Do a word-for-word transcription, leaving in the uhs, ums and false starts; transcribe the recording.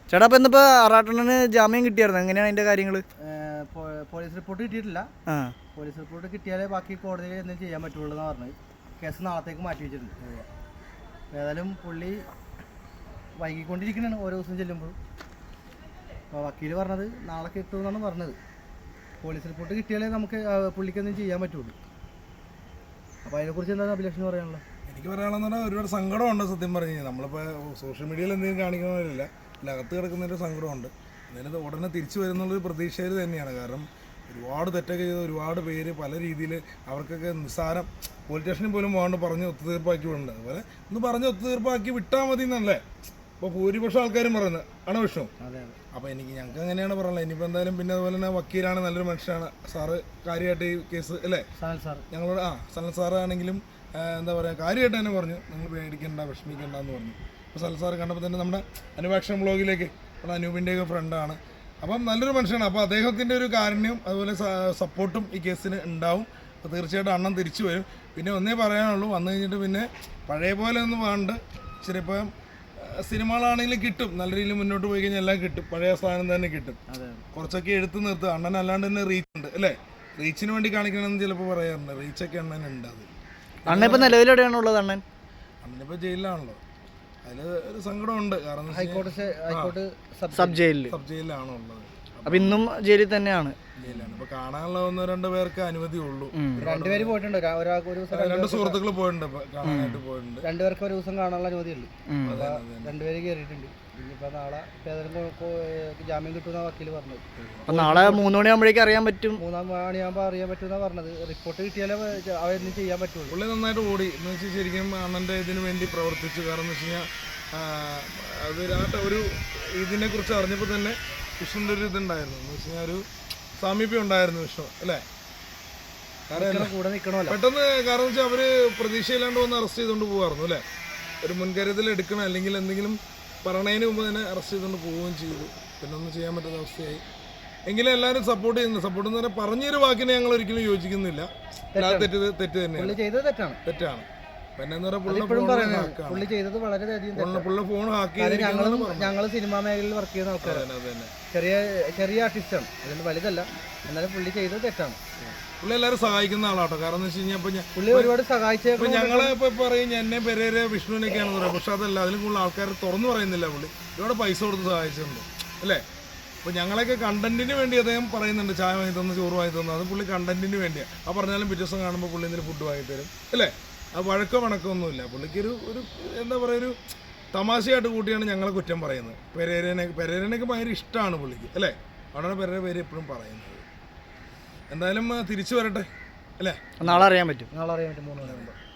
ചേട്ടാ അപ്പം ഇന്നിപ്പോൾ ആറാട്ടണ്ണന് ജാമ്യം കിട്ടിയായിരുന്നു, എങ്ങനെയാണ് അതിൻ്റെ കാര്യങ്ങൾ? പോലീസ് റിപ്പോർട്ട് കിട്ടിയിട്ടില്ല. പോലീസ് റിപ്പോർട്ട് കിട്ടിയാലേ ബാക്കി കോടതിയിൽ എന്തെങ്കിലും ചെയ്യാൻ പറ്റുള്ളൂ എന്നാണ് പറഞ്ഞത്. കേസ് നാളത്തേക്ക് മാറ്റി വെച്ചിട്ടുണ്ട്. ഏതായാലും പുള്ളി വൈകിക്കൊണ്ടിരിക്കുന്നതാണ് ഓരോ ദിവസം ചെല്ലുമ്പോൾ. അപ്പോൾ വക്കീൽ പറഞ്ഞത് നാളെ കിട്ടുമെന്നാണ് പറഞ്ഞത്. പോലീസ് റിപ്പോർട്ട് കിട്ടിയാലേ നമുക്ക് പുള്ളിക്ക് എന്തെങ്കിലും ചെയ്യാൻ പറ്റുള്ളൂ. അപ്പോൾ അതിനെക്കുറിച്ച് എന്താണ് അഭിലക്ഷണം പറയാനുള്ളത്? എനിക്ക് പറയാനുള്ളതെന്ന് പറഞ്ഞാൽ ഒരുപാട് സങ്കടമുണ്ട് സത്യം പറഞ്ഞു കഴിഞ്ഞാൽ. നമ്മളിപ്പോൾ സോഷ്യൽ മീഡിയയിൽ എന്തെങ്കിലും കാണിക്കുന്നവരില്ല, അകത്ത് കിടക്കുന്നതിൻ്റെ സങ്കടമുണ്ട്. എന്നാലും ഉടനെ തിരിച്ചു വരുന്നുള്ളൊരു പ്രതീക്ഷയിൽ തന്നെയാണ്. കാരണം ഒരുപാട് തെറ്റൊക്കെ ചെയ്ത് ഒരുപാട് പേര് പല രീതിയിൽ അവർക്കൊക്കെ നിസ്സാരം പോലീസ് സ്റ്റേഷനിൽ പോലും പോകാണ്ട് പറഞ്ഞ് ഒത്തുതീർപ്പാക്കി വിടുന്നുണ്ട്. അതുപോലെ ഒന്ന് പറഞ്ഞ് ഒത്തുതീർപ്പാക്കി വിട്ടാൽ മതി എന്നല്ലേ ഇപ്പോൾ ഭൂരിപക്ഷം ആൾക്കാരും പറയുന്നത് ആണ് വിഷയം. അപ്പോൾ എനിക്ക് ഞങ്ങൾക്ക് അങ്ങനെയാണ് പറയുന്നത്. ഇനിയിപ്പോൾ എന്തായാലും പിന്നെ അതുപോലെ തന്നെ വക്കീലാണ്, നല്ലൊരു മനുഷ്യനാണ് സാറ്. കാര്യമായിട്ട് ഈ കേസ് അല്ലേ ഞങ്ങളോട് ആ സനൽ സാറാണെങ്കിലും എന്താ പറയുക കാര്യമായിട്ട് തന്നെ പറഞ്ഞു, നിങ്ങൾ പേടിക്കണ്ട വിഷമിക്കണ്ട എന്ന് പറഞ്ഞു. അപ്പോൾ സനൽ സാറ് കണ്ടപ്പോൾ തന്നെ നമ്മുടെ അനുവാക്ഷൻ ബ്ലോഗിലേക്ക് നമ്മുടെ അനൂപിൻ്റെയൊക്കെ ഫ്രണ്ടാണ്. അപ്പം നല്ലൊരു മനുഷ്യനാണ്. അപ്പോൾ അദ്ദേഹത്തിൻ്റെ ഒരു കാരുണ്യം അതുപോലെ സപ്പോർട്ടും ഈ കേസിന് ഉണ്ടാവും. അപ്പോൾ തീർച്ചയായിട്ടും അണ്ണൻ തിരിച്ചു വരും. പിന്നെ ഒന്നേ പറയാനുള്ളൂ, വന്നു കഴിഞ്ഞിട്ട് പിന്നെ പഴയ പോലെ ഒന്നും വേണ്ട. ഇച്ചിരി ഇപ്പം സിനിമകളാണെങ്കിലും കിട്ടും, നല്ല രീതിയിൽ മുന്നോട്ട് പോയി കഴിഞ്ഞാൽ എല്ലാം കിട്ടും, പഴയ സ്ഥാനം തന്നെ കിട്ടും. കുറച്ചൊക്കെ എടുത്ത് നിർത്തുക. അണ്ണൻ അല്ലാണ്ട് തന്നെ റീച്ച് ഉണ്ട് അല്ലേ, റീച്ചിന് വേണ്ടി കാണിക്കണമെന്ന് ചിലപ്പോൾ പറയാറുണ്ട്. റീച്ചൊക്കെ അണ്ണൻ ഉണ്ട്. അത് അണ്ണൻ ഇപ്പം നിലവിലെവിടെയാണുള്ളത്? അണ്ണൻ അണ്ണനിപ്പോൾ ജയിലിലാണല്ലോ. അതിൽ ഒരു സങ്കടമുണ്ട്. കാരണം ഹൈക്കോടതി സബ് ജയിലിൽ സബ് ജയിലിലാണോ ഉള്ളത്. അപ്പം ഇന്നും ജയിലിൽ തന്നെയാണ്. ജയിലാണ് ഇപ്പൊ കാണാനുള്ള ഒന്നോ രണ്ടോ പേർക്ക് അനുമതി ഉള്ളൂ. രണ്ടുപേര് പോയിട്ടുണ്ട്, രണ്ട് സുഹൃത്തുക്കൾ പോയിട്ടുണ്ട്, കാണാനായിട്ട് പോയിട്ടുണ്ട്. രണ്ടുപേർക്ക് ഒരു ദിവസം കാണാനുള്ള അനുമതി ഉള്ളൂ. രണ്ടുപേര് കയറിയിട്ടുണ്ട്. ഇനിയിപ്പോ നാളെ ജാമ്യം കിട്ടുന്ന വക്കീല് പറഞ്ഞത്. അപ്പൊ നാളെ മൂന്ന് മണിയാകുമ്പോഴേക്കും അറിയാൻ പറ്റും. മൂന്നാം മണിയാകുമ്പോൾ അറിയാൻ പറ്റുമെന്നാണ് പറഞ്ഞത്. റിപ്പോർട്ട് കിട്ടിയാലേ അവരെന്തും ചെയ്യാൻ പറ്റുള്ളൂ. പുള്ളി നന്നായിട്ട് ഓടി എന്ന് വെച്ചാൽ ശരിക്കും അണ്ണന്റെ ഇതിനു വേണ്ടി പ്രവർത്തിച്ചു. കാരണം എന്ന് വെച്ച് കഴിഞ്ഞാൽ അത് ഒരു ഇതിനെ കുറിച്ച് അറിഞ്ഞപ്പോൾ തന്നെ വിഷ്ണുവിൻ്റെ ഒരു ഇതുണ്ടായിരുന്നു. എന്ന് വെച്ച് കഴിഞ്ഞാൽ ഒരു സാമീപ്യം ഉണ്ടായിരുന്നു വിഷ്ണു അല്ലേ. കാരണം കൂടെ നിൽക്കണമല്ലോ പെട്ടെന്ന്. കാരണം വെച്ചാൽ അവര് പ്രതീക്ഷയില്ലാണ്ട് വന്ന് അറസ്റ്റ് ചെയ്തുകൊണ്ട് പോകുമായിരുന്നു അല്ലേ. ഒരു മുൻകരുതൽ എടുക്കണം, അല്ലെങ്കിൽ എന്തെങ്കിലും പറയണതിന് മുമ്പ് തന്നെ അറസ്റ്റ് ചെയ്തുകൊണ്ട് പോവുകയും ചെയ്തു. പിന്നെ ഒന്നും ചെയ്യാൻ പറ്റാത്ത അവസ്ഥയായി. എങ്കിലും എല്ലാവരും സപ്പോർട്ട് ചെയ്യുന്നു. സപ്പോർട്ട് എന്ന് പറഞ്ഞാൽ പറഞ്ഞൊരു വാക്കിനെ ഞങ്ങൾ ഒരിക്കലും യോജിക്കുന്നില്ല. തെറ്റ് തെറ്റ് തന്നെയാണ്, തെറ്റാണ് തെറ്റാണ് പിന്നെ പുള്ളി ചെയ്തത് വളരെയധികം. ഫോൺ ഹാക്ക് ഞങ്ങൾ സിനിമാ മേഖലയിൽ വർക്ക് ചെയ്യുന്ന ആൾക്കാരാണ്. ചെറിയ ചെറിയ ആർട്ടിസ്റ്റാണ്, അതുകൊണ്ട് വലുതല്ല. എന്നാലും പുള്ളി ചെയ്തത് തെറ്റാണ്. പുള്ളി എല്ലാവരും സഹായിക്കുന്ന ആളാട്ടോ. കാരണം എന്ന് വെച്ച് കഴിഞ്ഞാൽ പുള്ളി ഒരുപാട് സഹായിച്ചപ്പോൾ ഞങ്ങളെ ഇപ്പൊ പറയും എന്നെ പെരേരെ വിഷ്ണുവിനൊക്കെയാണെന്ന് പറയാം. പക്ഷെ അതല്ല, അതിലും കൂടുതൽ ആൾക്കാർ തുറന്നു പറയുന്നില്ല. പുള്ളി ഒരുപാട് പൈസ കൊടുത്ത് സഹായിച്ചിട്ടുണ്ട് അല്ലേ. അപ്പോൾ ഞങ്ങളൊക്കെ കണ്ടന്റിന് വേണ്ടി അദ്ദേഹം പറയുന്നുണ്ട്, ചായ വാങ്ങി തന്നു, ചോറ് വാങ്ങി തന്നു. അത് പുള്ളി കണ്ടന്റിന് വേണ്ടിയാണ്. ആ പറഞ്ഞാലും പിറ്റേ ദിവസം കാണുമ്പോൾ പുള്ളി എന്തെങ്കിലും ഫുഡ് വാങ്ങി തരും അല്ലേ. ആ വഴക്കോ വണക്കമൊന്നുമില്ല. പുള്ളിക്കൊരു ഒരു എന്താ പറയുക, ഒരു തമാശയായിട്ട് കൂട്ടിയാണ് ഞങ്ങളെ കുറ്റം പറയുന്നത്. പെരേരനെ പെരേരനൊക്കെ ഭയങ്കര ഇഷ്ടമാണ് പുള്ളിക്ക് അല്ലേ. അവിടെ പെരേര പേര് എപ്പോഴും പറയുന്നത്. എന്തായാലും തിരിച്ചു വരട്ടെ അല്ലേ. നാളെ അറിയാൻ പറ്റും. നാളെ അറിയാൻ പറ്റും മൂന്ന് മണിയാകുമ്പോൾ.